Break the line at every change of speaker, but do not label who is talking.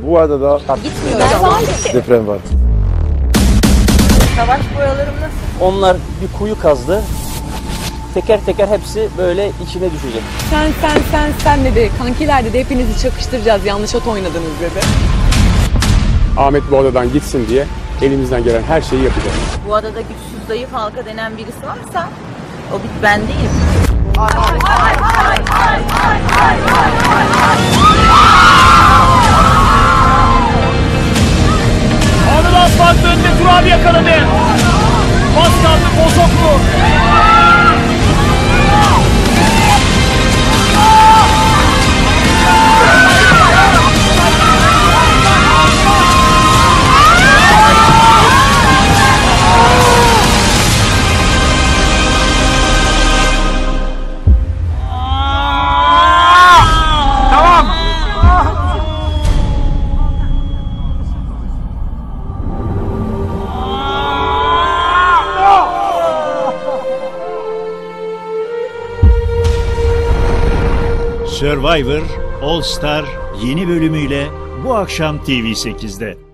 Bu adada
Gitmiyor. Ben var ki.
deprem var.
Savaş boyalarım nasıl?
Onlar bir kuyu kazdı. Teker teker hepsi böyle içine düşecek.
Sen dedi. Kankiler dedi, hepinizi çakıştıracağız. Yanlış at oynadınız dedi.
Ahmet bu adadan gitsin diye elimizden gelen her şeyi yapacağız.
Bu adada güçsüz zayıf halka denen birisi varsa o ben değilim.
Anıl Asfalt önünde Turabi yakaladı. Pas kaldı Bozoklu.
Survivor All Star yeni bölümüyle bu akşam TV8'de.